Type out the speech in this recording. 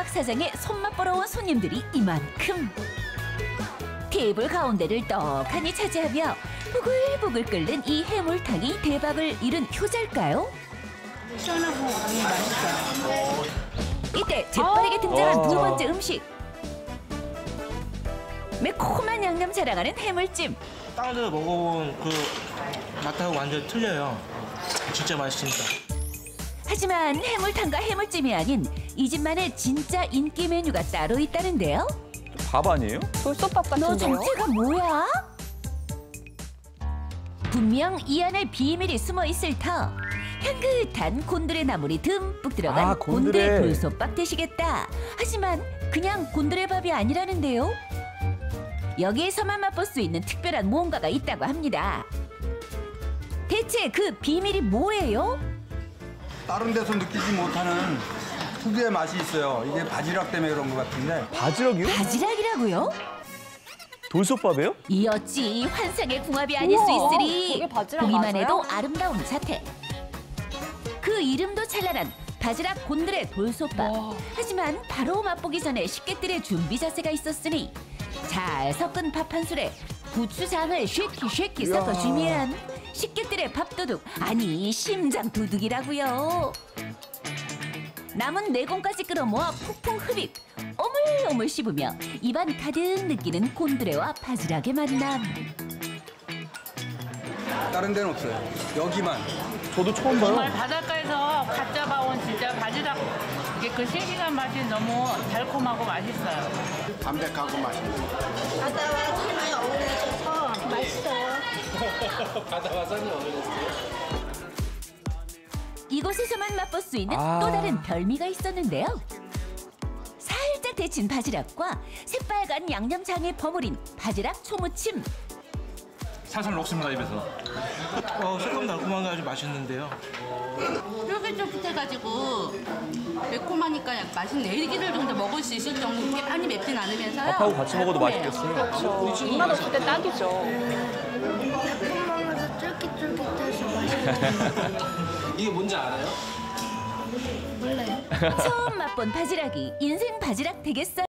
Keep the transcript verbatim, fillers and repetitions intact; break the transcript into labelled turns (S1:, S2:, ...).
S1: 해물맛 사장의 손맛 보러 온 손님들이 이만큼. 테이블 가운데를 떡하니 차지하며 부글부글 끓는 이 해물탕이 대박을 이룬 효자일까요?
S2: 시원하고 너무 맛있어요.
S1: 이때 재빠르게 등장한
S3: 와.
S1: 두 번째 음식. 매콤한 양념 자랑하는 해물찜.
S4: 다른 데서 먹어본 그 맛하고 완전 틀려요. 진짜 맛있습니다.
S1: 하지만 해물탕과 해물찜이 아닌 이 집만의 진짜 인기 메뉴가 따로 있다는데요.
S3: 밥 아니에요?
S5: 돌솥밥
S1: 너
S5: 같은데요?
S1: 정체가 뭐야? 분명 이 안에 비밀이 숨어 있을 터. 향긋한 곤드레 나물이 듬뿍 들어간
S3: 아, 곤드레.
S1: 곤드레 돌솥밥 되시겠다. 하지만 그냥 곤드레 밥이 아니라는데요. 여기에서만 맛볼 수 있는 특별한 무언가가 있다고 합니다. 대체 그 비밀이 뭐예요?
S6: 다른 데서 느끼지 못하는 특유의 맛이 있어요. 이게 바지락 때문에 그런 것 같은데.
S3: 바지락이요?
S1: 바지락이라고요?
S3: 돌솥밥이에요?
S1: 이 어찌 환상의 궁합이 아닐 수
S5: 우와,
S1: 있으리.
S5: 그게 바지락
S1: 보기만
S5: 맞아요?
S1: 해도 아름다운 자태. 그 이름도 찬란한 바지락 곤드레 돌솥밥. 하지만 바로 맛보기 전에 식객들의 준비 자세가 있었으니 잘 섞은 밥 한 술에 고추장을 쉐키 쉐키 섞어주면 식객들의 밥도둑, 아니 심장 도둑이라고요. 남은 내공까지 끌어모아 푹푹 흡입. 오물오물 씹으며 입안 가득 느끼는 곤드레와 바지락의 만남.
S6: 다른 데는 없어요. 여기만.
S3: 저도 처음 봐요.
S2: 정말 바닷가에서 갓 잡아온 진짜 바지락 이게 그 싱싱한 맛이 너무 달콤하고 맛있어요.
S7: 담백하고 맛있는.
S8: 바다와산이 어우러져서 맛있어요.
S7: 바다와산이 어울렸어요.
S1: 이곳에서만 맛볼 수 있는
S3: 아.
S1: 또 다른 별미가 있었는데요. 살짝 데친 바지락과 새빨간 양념장에 버무린 바지락 초무침.
S9: 살살 녹습니다, 입에서.
S4: 어, 새콤 달콤한 게 아주 맛있는데요.
S2: 쫄깃쫄깃해가지고 매콤하니까 맛있네. 일기를 정도 먹을 수 있을 정도 그렇게 많이 맵진 않으면서요.
S3: 밥하고 같이 먹어도
S2: 달콤해요.
S3: 맛있겠어요.
S5: 입맛 없을 때 딱이죠.
S8: 매콤 먹어서 쫄깃쫄깃해서 맛있어요.
S7: 이게 뭔지 알아요?
S8: 몰라요.
S1: 처음 맛본 바지락이 인생 바지락 되겠어요?